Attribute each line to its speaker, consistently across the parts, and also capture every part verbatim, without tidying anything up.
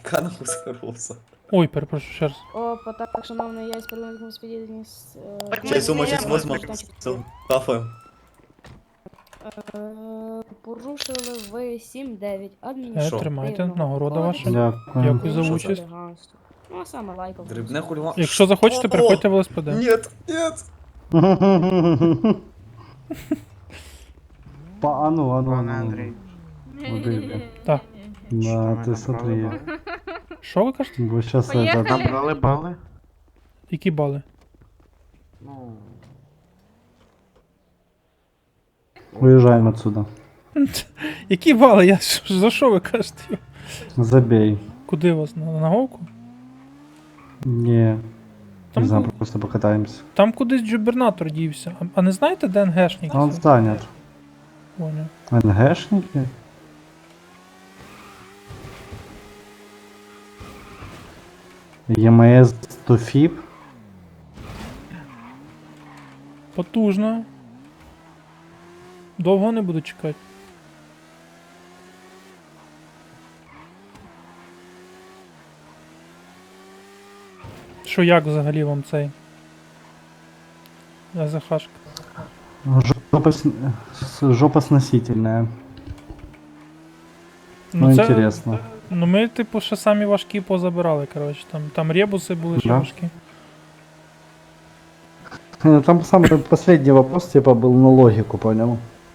Speaker 1: Яка нахуй загроза?
Speaker 2: Ой, перепрошую, ще раз.
Speaker 3: Опа, так, шановний, я із парламентом сподівання з...
Speaker 1: Чай сума, чай возьму. Кафе.
Speaker 3: Порушили ви сім дев'ять
Speaker 2: Е,
Speaker 3: адміністративного
Speaker 2: тримайте, нагорода ваша.
Speaker 3: кодексу.
Speaker 4: Дякую.
Speaker 2: Дякую за
Speaker 1: Що
Speaker 2: участь.
Speaker 3: Хуліганство. Ну, а саме лайков.
Speaker 1: Дрібне хуліва.
Speaker 2: Якщо захочете,
Speaker 1: О,
Speaker 2: переходьте в ЛСПД.
Speaker 1: Нет, нет.
Speaker 4: Па, а ну, а ну, а
Speaker 5: Пане
Speaker 4: ну.
Speaker 5: Андрій.
Speaker 4: Моделька.
Speaker 2: Так.
Speaker 4: Да,
Speaker 5: Що ми
Speaker 4: ты смотри.
Speaker 5: набрали
Speaker 2: Що ви кажете?
Speaker 4: Бо сейчас
Speaker 5: бали?
Speaker 4: это...
Speaker 5: Набрали бали?
Speaker 2: Які бали?
Speaker 5: Ну,
Speaker 4: Уезжаем отсюда.
Speaker 2: Які бали? Я ж- за що ви кажете?
Speaker 4: Забей.
Speaker 2: Куди вас? На, на говку?
Speaker 4: Не.
Speaker 2: Там,
Speaker 4: Не знаю,
Speaker 2: ку-
Speaker 4: просто покатаемся.
Speaker 2: там кудись джубернатор дівся. А, а не знаєте, де НГшник?
Speaker 4: А он занят.
Speaker 2: Понял.
Speaker 4: НГшники? ЕМС Туфип?
Speaker 2: Потужно. Довго не буду чекати. Що як взагалі вам цей? АЗХшка.
Speaker 4: Жопа, с- с- жопа сносительная. Ну,
Speaker 2: це-
Speaker 4: интересно.
Speaker 2: Ну ми, типу, ще самі важкі позабирали, коротше. Там, там ребуси були ще
Speaker 4: Да.
Speaker 2: важкі.
Speaker 4: Э, Там самый последний вопрос, типа, был на логику, понял?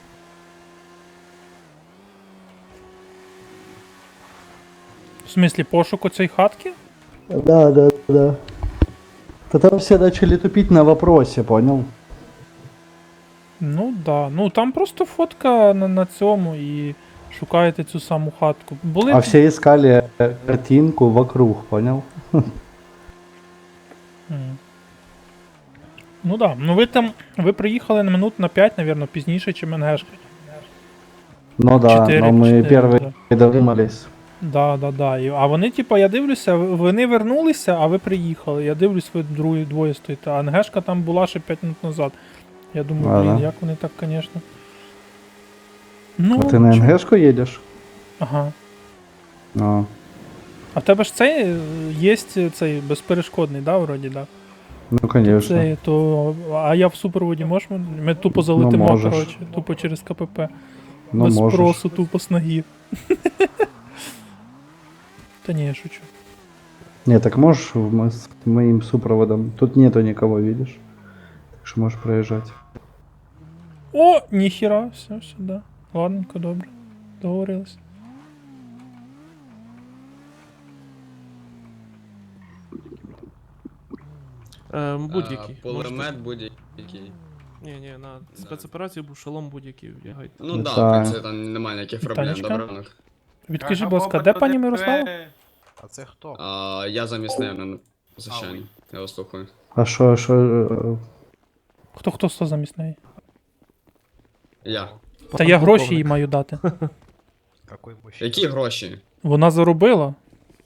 Speaker 2: В смислі, пошуку цієї хатки?
Speaker 4: Да, да, да. Да там все начали тупить на вопросе, понял?
Speaker 2: Ну да. Ну там просто фотка на, на цьому і шукаєте цю саму хатку. Були.
Speaker 4: А все искали э, картинку вокруг, понял?
Speaker 2: М. Ну да. Ну ви там. Ви приїхали на минут на п'ять, напевно, пізніше, ніж МНГшка.
Speaker 4: Ну да,
Speaker 2: Чотири,
Speaker 4: но мы
Speaker 2: чотири,
Speaker 4: первые
Speaker 2: да.
Speaker 4: додумались.
Speaker 2: Да, да, да. І- А вони, типа, я дивлюся, вони вернулися, а ви приїхали. Я дивлюсь, ви другі двоє стоїте. А НГшка там була ще п'ять минут назад. Я думаю,
Speaker 4: А,
Speaker 2: блін,
Speaker 4: да?
Speaker 2: як вони так, звісно. Ну,
Speaker 4: А ты на
Speaker 2: чо-
Speaker 4: НГшку едешь?
Speaker 2: Ага.
Speaker 4: А.
Speaker 2: А в тебе ж цей е, є цей безперешкодний, да, вроді, да?
Speaker 4: Ну, конечно.
Speaker 2: Цей, то, а я в супроводі можемо? Ми тупо залетимо,
Speaker 4: можеш.
Speaker 2: коротше, тупо через КПП.
Speaker 4: Ну,
Speaker 2: Без
Speaker 4: можешь.
Speaker 2: спросу, тупо з ноги. Та ні, я шучу.
Speaker 4: Не, так можешь в мо- с моим супроводом? Тут нету никого, видишь? Так что можешь проезжать.
Speaker 2: О, ніхіра, все, все, да. Ладненько, добре. Договорились.
Speaker 6: Ем, будь-який.
Speaker 7: Пулемет будь-який.
Speaker 6: Ні, ні, на спецоперацію був шолом будь-який вдягайте.
Speaker 7: Ну да,
Speaker 4: Та.
Speaker 7: в принципі, там немає ніяких проблем,
Speaker 2: Танечка?
Speaker 7: добре ранок.
Speaker 2: Відкажи, будь ласка, де пані Мирослава?
Speaker 8: А це хто?
Speaker 7: А, я замісний, ну, звичайно. Я вас слухаю.
Speaker 4: А что, что... э,
Speaker 2: Хто хто сто замість неї?
Speaker 7: Я.
Speaker 2: Та я гроші їй маю дати.
Speaker 8: Какой мужчина?
Speaker 7: Які гроші?
Speaker 2: Вона заробила.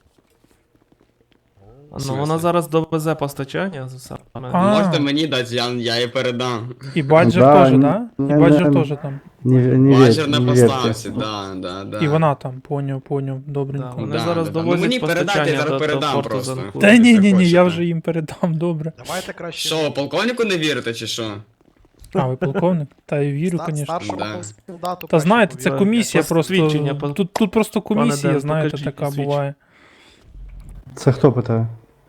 Speaker 6: Ну вона зараз довезе постачання саме.
Speaker 2: А.
Speaker 7: Можете мені дати, я, я її передам.
Speaker 2: І баджер
Speaker 4: Да,
Speaker 2: теж,
Speaker 4: н-
Speaker 2: да? І
Speaker 4: не-
Speaker 2: баджер
Speaker 4: не-
Speaker 2: теж там.
Speaker 4: Не, не,
Speaker 7: Бажер
Speaker 4: верь,
Speaker 7: на
Speaker 4: не верьте.
Speaker 7: поставці, да, да, да.
Speaker 2: І вона там, поняв, поняв, добренько.
Speaker 6: Да, вони
Speaker 7: Да,
Speaker 6: зараз
Speaker 7: да, да. Ну,
Speaker 6: довозять
Speaker 7: мені передайте, я
Speaker 6: постачання
Speaker 7: зараз
Speaker 6: до, до
Speaker 7: передам
Speaker 6: порту
Speaker 7: просто.
Speaker 6: Занкур.
Speaker 2: Та ні, ні, ні,
Speaker 7: хочете.
Speaker 2: я вже їм передам, добре.
Speaker 8: Давайте краще.
Speaker 7: Що, полковнику не вірите, чи що?
Speaker 2: А, ви полковник? Та й вірю,
Speaker 8: ста-
Speaker 2: звісно.
Speaker 8: старшому
Speaker 7: Да.
Speaker 8: солдату
Speaker 2: Та
Speaker 8: краще
Speaker 2: знаєте, це
Speaker 8: повірити.
Speaker 2: комісія
Speaker 6: Посвідчення,
Speaker 2: просто.
Speaker 6: по-
Speaker 2: Тут, тут просто комісія,
Speaker 6: Ден,
Speaker 2: знаєте,
Speaker 6: покажіть
Speaker 2: така
Speaker 6: посвідчення.
Speaker 2: буває.
Speaker 4: Це хто питає?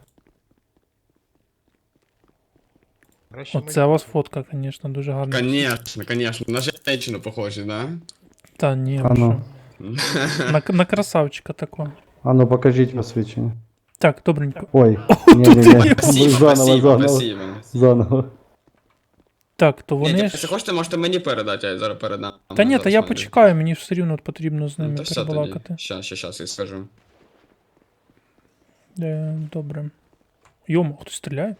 Speaker 8: Краще
Speaker 2: Оце у вас фотка, звісно, дуже гарна.
Speaker 7: Конечно, конечно. На женщину похожі, да?
Speaker 2: Та ні,
Speaker 4: А
Speaker 2: ви
Speaker 4: ну.
Speaker 2: що. На, на красавчика такого.
Speaker 4: А ну покажіть посвідчення.
Speaker 2: Так, добренько.
Speaker 4: Ой, не-не-не,
Speaker 7: Спасибо,
Speaker 4: заново,
Speaker 7: спасибо,
Speaker 4: заново,
Speaker 7: спасибо.
Speaker 4: заново.
Speaker 2: Так, то
Speaker 7: Ні,
Speaker 2: вони
Speaker 7: якщо
Speaker 2: ж.
Speaker 7: хочете, можете мені передати, я зараз передам.
Speaker 2: Та ні, та
Speaker 7: Зараз
Speaker 2: я
Speaker 7: мене-
Speaker 2: почекаю, мені ж все рівно потрібно з
Speaker 7: Ну,
Speaker 2: ними
Speaker 7: то все тоді.
Speaker 2: перебалакати.
Speaker 7: Щас, щас, щас, я скажу.
Speaker 2: Е, добре. Йомо, хтось стріляє?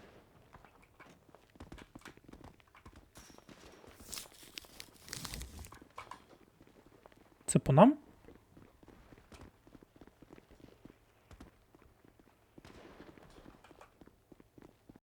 Speaker 2: Це по нам?